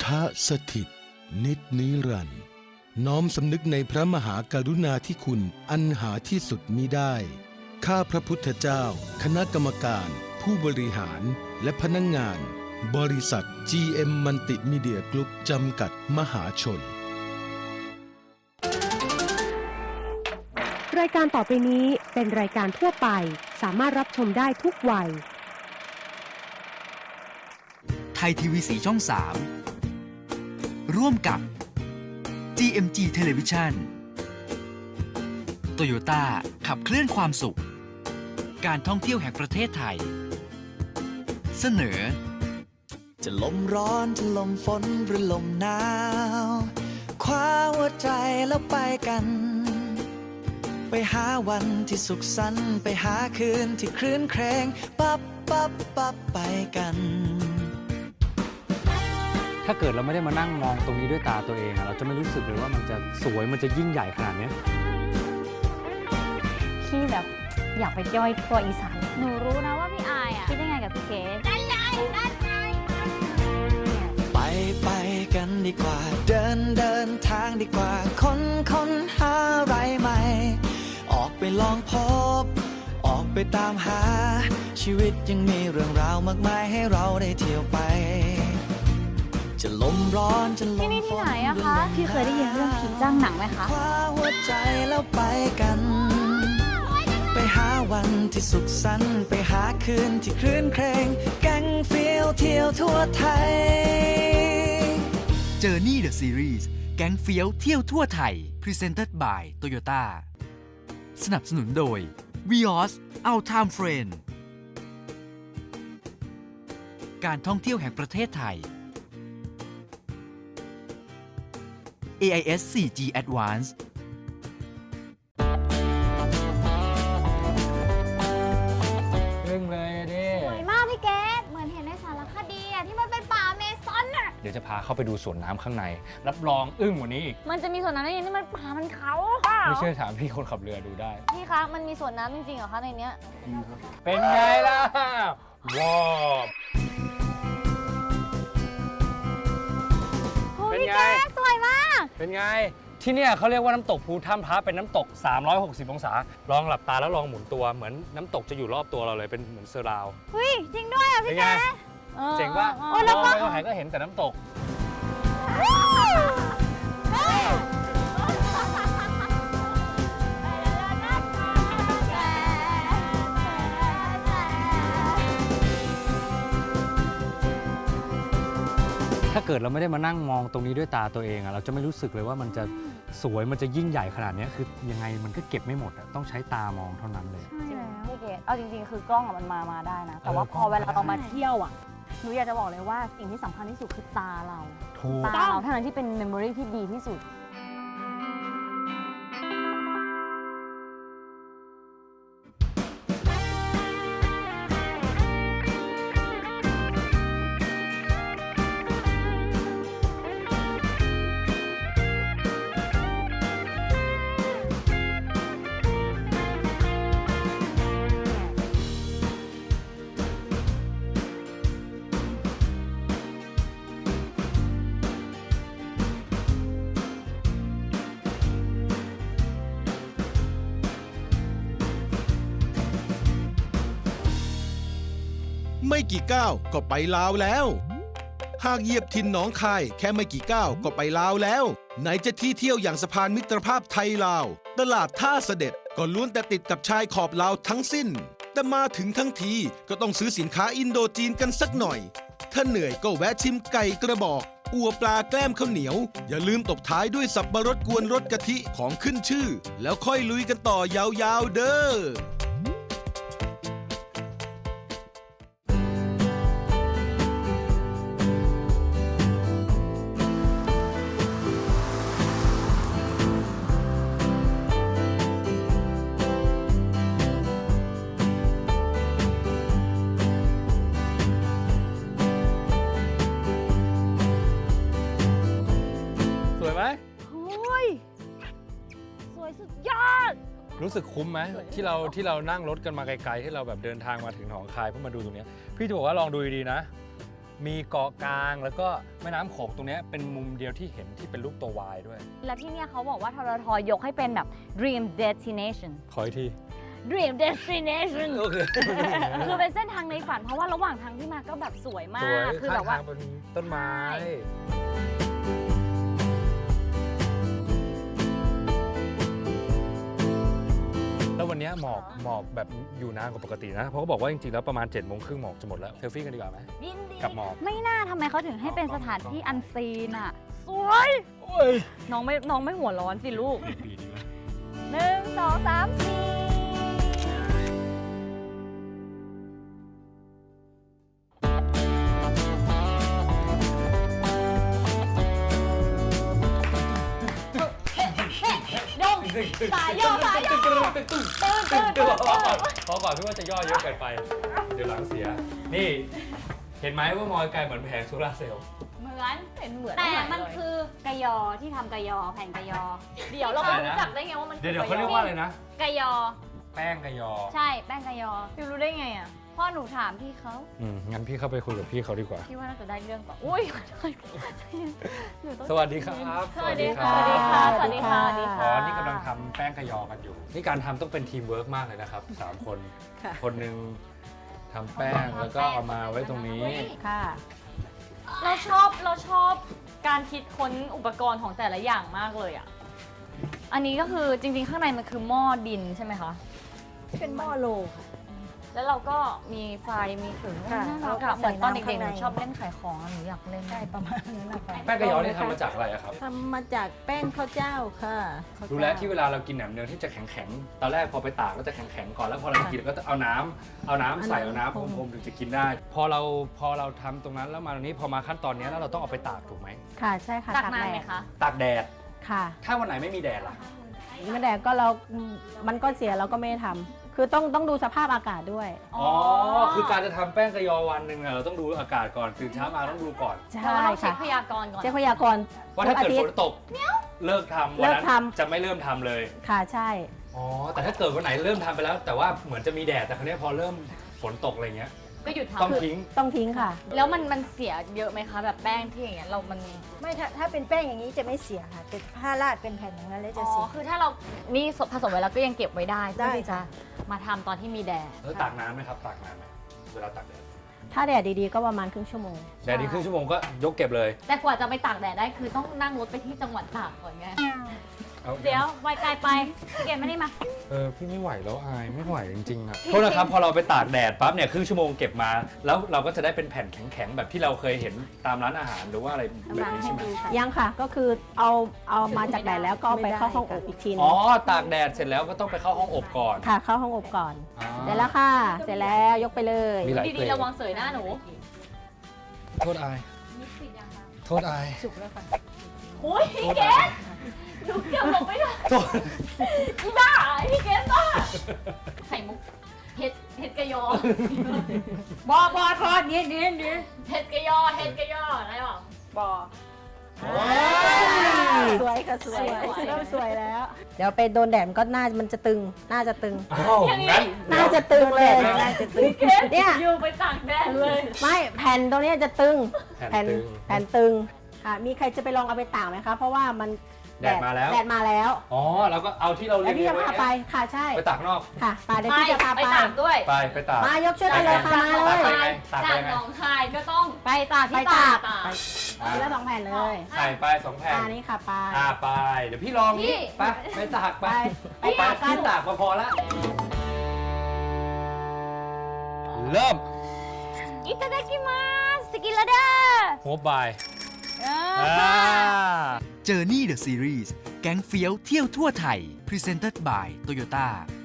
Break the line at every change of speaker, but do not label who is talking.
สถิตนิจนิรันดร์น้อมสำนึกในพระมหากรุณาธิคุณอันหาที่สุดมิได้ข้าพระพุทธเจ้าคณะกรรมการผู้บริหารและพนักงานบริษัท GM มัลติมีเดียกรุ๊ปจำกัดมหาชน
รายการต่อไปนี้เป็นรายการทั่วไปสามารถรับชมได้ทุกวัย
ไทยทีวีสีช่อง 3 ร่วมกับ GMG Television Toyota ขับเคลื่อนความสุขการท่องเที่ยวแห่งประเทศไทยเสนอ
จะลมร้อนจะลมฝนหรือลมหนาวคว้าหัวใจแล้วไปกันไปหาวันที่สุขสันต์ไปหาคืนที่คลื่นเครงปั๊บไปกัน
ถ้าเกิดเราไม่ได้มานั่งมองตรงนี้ด้วยตาตัวเองเราจะไม่รู้สึกเลยว่ามันจะสวยมันจะยิ่งใหญ่ขนาดนี้
พี่แบบอยากไปย่อยทั่วอีสานหนูรู้นะว่าพี่อายคิดยังไงกับพี่เก๋ได้
ไปกันดีกว่าเดินทางดีกว่าค้นหาอะไรใหม่ออกไปลองพบออกไปตามหาชีวิตยังมีเรื่องราวมากมายให้เราได้เที่ยวไปจะลมร้อนจะลมฝน
ที่นี่ที่ไหนอะคะพี่เคยได้ยินเรื่องผีจ้างหนังไหมคะ
คว้าหัวใจแล้วไปกันไปหาวันที่สุขสันต์ไปหาคืนที่คลื่นเครงแก๊งเฟี้ยวเที่ยวทั่วไทย
Journey the Series แก๊งเฟี้ยวเที่ยวทั่วไทย Presented by Toyota สนับสนุนโดย Vios Our Time Friend การท่องเที่ยวแห่งประเทศไทย AIS 4G Advance
เรื่องเลยดิ
สวยมากพี่เก๋เหมือนเห็นในสารคดีอะที่มันเป็นป่าเมซอนอะ
เดี๋ยวจะพาเข้าไปดูสวนน้ำข้างในรับรองอึ้งกว่านี้อีก
มันจะมีสวนน้ำได้ยังไงนี่มันป่ามันเขา
ไม่เชื่อถามพี่คนขับเรือดูได้
พี่คะมันมีสวนน้ำจริงๆเหรอคะในเนี้ย
เป็นไงล่ะว้าว
เป็นไงสวยมาก
เป็นไงที่เนี่ยเขาเรียกว่าน้ำตกภูถ้ำพระเป็นน้ำตก360องศาลองหลับตาแล้วลองหมุนตัวเหมือนน้ำตกจะอยู่รอบตัวเราเลยเป็นเหมือนเซอร์ราว
เฮ้ยจริงด้วยอ่ะพี่แก
เจ๋งป่ะมองไปก็เห็นแต่น้ำตกถ้าเกิดเราไม่ได้มานั่งมองตรงนี้ด้วยตาตัวเองเราจะไม่รู้สึกเลยว่ามันจะสวยมันจะยิ่งใหญ่ขนาดนี้คือยังไงมันก็เก็บไม่หมดต้องใช้ตามองเท่านั้นเลย
ใช่พี่เกดเอาจริงๆคือกล้องมันมาได้นะแต่ว่าพอเวลาเรามาเที่ยวหนูอยากจะบอกเลยว่าสิ่งที่สำคัญที่สุดคือตาเราเท่านั้นที่เป็นเมมโมรีที่ดีที่สุด
ไม่กี่ก้าวก็ไปลาวแล้วหากเหยียบถิ่นหนองคายแค่ไม่กี่ก้าวก็ไปลาวแล้วไหนจะที่เที่ยวอย่างสะพานมิตรภาพไทยลาวตลาดท่าเสด็จก็ล้วนแต่ติดกับชายขอบลาวทั้งสิ้นแต่มาถึงทั้งทีก็ต้องซื้อสินค้าอินโดจีนกันสักหน่อยถ้าเหนื่อยก็แวะชิมไก่กระบอกอัวปลาแกล้มข้าวเหนียวอย่าลืมตบท้ายด้วยสับปะรดกวนรสกะทิของขึ้นชื่อแล้วค่อยลุยกันต่อยาวๆเด้อ
รู้สึกคุ้มไหมที่เรานั่งรถกันมาไกลๆที่เราแบบเดินทางมาถึงหนองคายเพื่อมาดูตรงนี้พี่จะบอกว่าลองดูดีๆนะมีเกาะกลางแล้วก็แม่น้ำโขงตรงเนี้ยเป็นมุมเดียวที่เห็นที่เป็นรูปตัว Y ด้วย
แล้วที่เนี่ยเขาบอกว่าทรทยกให้เป็นแบบ dream destination
ขออีกที
dream destination
โอเค
คือเป็นเส้นทางในฝันเพราะว่าระหว่างทางที่มาก็แบบสวยมา
สวย
ก คือ
ข้า
แบ
ง
บว่า
ทางเป็นต้นไม้
ใช่
แล้ววันเนี้ยหมอกแบบอยู่นานกว่าปกตินะ เพราะเขาบอกว่าจริงๆแล้วประมาณ7 โมงครึ่งหมอกจะหมดแล้วเซลฟี่กันดีกว่าไหม
ยินดี
กับหมอก
ไม่น่าทำไมเขาถึงให้เป็นสถานที่อันซีนอ่ะ สวย
โอ้ย
น้องไม่หัวร้อนสิลูก
ปีนี้นะ
1 2 3 4 ดงสายย่อตื่น
พอก่อนพี่ว่าจะย่อเยอะเกินไป เดี๋ยวหลังเสีย นี่เห็นไหมว่ามอยไกลเหมือนแผงโซลาร์เซลล์
เหมือนแต่มันคือกยอที่ทำกยอแผ่นกยอ เดี๋ยวเราไปรู้จักได้ไงว่ามัน
เดี๋ยวเขาเรียกว่าอะไรนะ
กยอ
แป้งกะยอ
ใช่แป้งกยอพี่รู้ได้ไงอ่ะพ่อหนูถามพี่เขา
งั้นพี่เข้าไปคุยกับพี่เขาดีกว่า
พี่ว่าน่าจะได้เรื่องต่ออุ้ยหนูต้อง
สวัสดีครับ
สวัสดีค่ะ สวัสดีค่ะ สวัสดีค่ะ สวัสดี
อ๋
ค่ะ
อนี่กำลังทำแป้งกะยอกันอยู่ นี่การทำต้องเป็นทีมเวิร์กมากเลยนะครับ 3 คน คนหนึ่งทำแป้งแล้วก็เอามาไว้ตรงนี้
ค่ะ
เราชอบการคิดค้นอุปกรณ์ของแต่ละอย่างมากเลยอ่ะ อันนี้ก็คือจริงๆ ข้างในมันคือหม้อดินใช่ไหมคะ
เป็นหม้อโลค่ะ
แล้วเราก็มีไฟมีถึง
ค่ะ
น่ารัก
เรา
อะ
ก็
เหมือนตอนเด็กๆ
ใส่
หนู
น้ำข้างใน
ชอบเล่นขายของอะหนูอยากเล่น
ใช่ประมาณนั้นนะคะ
แป้งกะยอนี่ทำมาจากอะไรอะครับ
ทำมาจากแป้งข้าวเจ้าค่ะข้าวเจ้า
รู้แล้วที่เวลาเรากินแหนมเนืองที่จะแข็งๆ ตอนแรกพอไปตากก็จะแข็งๆก่อนแล้วพอเรากินก็จะเอาน้ำใส่เอาน้ำพรมๆถึงจะกินได้ พอเราทำตรงนั้นแล้วมาตรงนี้พอมาขั้นตอนนี้แล้วเราต้องเอาไปตากถูกไหม
ค่ะใช่ค่ะ
ตักนานไหมคะ
ตากแดด
ค่ะ
ถ้าวันไหนไม่มีแดดล่ะ
ไม่แดดก็มันก็เสียเราก็ไม่ได้ทำคือต้องดูสภาพอากาศด้วย
อ๋อ คือการจะทำแป้งกะยอวันหนึ่งเนี่ยเราต้องดูอากาศก่อนตื่นเช้ามาต้องดูก่อน
ใช่
เราต้องเช็ค
ค่ะ
พยากรณ์ก่อน
เช็คพยากรณ์
ว่าถ้าเกิด
ทุ
ฝ
อ
น
ทิตย์
ตกเลิกทำ
เลิ
วัน
ก
นั้น
ทำ
จะไม่เริ่มทำเลย
ค่ะใช่
อ๋อ แต่ถ้าเกิดวันไหนเริ่มทำไปแล้ว แต่ว่าเหมือนจะมีแดดแต่คราวนี้พอเริ่มฝนตกอะไรเงี้ย
ก็หยุด
ต้อง
ทำ
ทิ้ง
ต้องทิ้งค่ะ
แล้วมันเสียเยอะไหมคะ แบบแป้งที่อย่างเงี้ยมัน
ไม่ถ้าเป็นแป้งอย่างนี้จะไม่เสียค่ะแต่ถ้าราดเป็นแผ่นอย่างนั้นแล้ว
อ๋
จะ
อ
เสีย
คือถ้าเรานี่ผสมไว้แล้วก็ยังเก็บไว้ได้เพื่อ
ได้
ที่จะมาทำตอนที่มีแดด
แล้วตากน้ำไหมครับ ตากน้ำไหมเวลาตากแดด
ถ้าแดดดีๆก็ประมาณครึ่งชั่วโมง
แดดดีครึ่งชั่วโมงก็ยกเก็บเลย
แต่กว่าจะไปตากแดดได้คือต้องนั่งรถไปที่จังหวัดตากก่อนไง
อา
เดี๋ยวไวไกลไปพี่เกมไม่ได้มา
พี่ไม่ไหวแล้วอายไม่ไหวจริงๆอะโทษนะครับพอเราไปตากแดดปั๊บเนี่ยครึ่งชั่วโมงเก็บมา แล้วเราก็จะได้เป็นแผ่นแข็งๆแบบที่เราเคยเห็นตามร้านอาหารหรือว่าอะไรแบบนี้ใช่ไหม
ยังค่ะก็คือเอามาจากแดดแล้วก็เอาไปเข้าห้องอบอีกทีนึ
อ๋
ง
อตากแดดเสร็จแล้วก็ต้องไปเข้าห้องอบก่อน
ค่ะเข้าห้องอบก่อน
อ่า
เสร็จแล้วค่ะ เสร็จแล้วยกไปเลย
มีหลาย
ดีๆระวังเสยหน้าหนู
โทษอายโทษอาย
สุกแล้วค่ะ
โอ้ยพี่เกมหนูเกือบลงไม่ได้
โทษ
อีบ้าพี่เกมบ้าไข่มุกเห็ดกระยอบ
อทอดนี่
เห็ดกระยออะไรหรอ
สวยค่ะสวย
สวย
เริ่มสวยแล้ว เดี๋ยวไปโดนแดดมันก็มันจะตึงน่าจะตึง
อ้าวงั้น
น่าจะตึงเลยน่าจะตึงเนี่ย
อยู่ไปตากแดดเลย
ไม่แผ่นตรงเนี้ยจะตึง
แผ่นตึง
แผ่นตึงค่ะมีใครจะไปลองเอาไปตากไหมคะ เพราะว่ามัน
แดดมาแล้ว
แดดมาแล้ว
อ๋อเราก็เอาที่เรา
แล้ว
เรีย
พี่
น
จะ
ไว้
พาไปค่ะใช่
ไปตากนอก
ค่ะไปเดี๋ยวพี่จะพา
ไป
ไป
ตากด้วย
ไปตาก
มายกช่วยกันเลยค่ะมาเลย
ไปไงตากไป
จาก
ไง
หนองคายก็ต้องไปตาก
ไป
ที่
ตา
ตาก ก
ทีละ2แผ่นเลย
ใส่ไป2 แผ่น
นี่ค่ะไป
ไปเดี๋ยวพี่ลองนี้ไปตากไป
ไปตากกัน
พี่ตากมาพอละเริ่ม
อิตาดากิมาสกิลาดา
หัวบาย
Journey the Series แก๊งเฟี้ยวเที่ยวทั่วไทย Presented by Toyota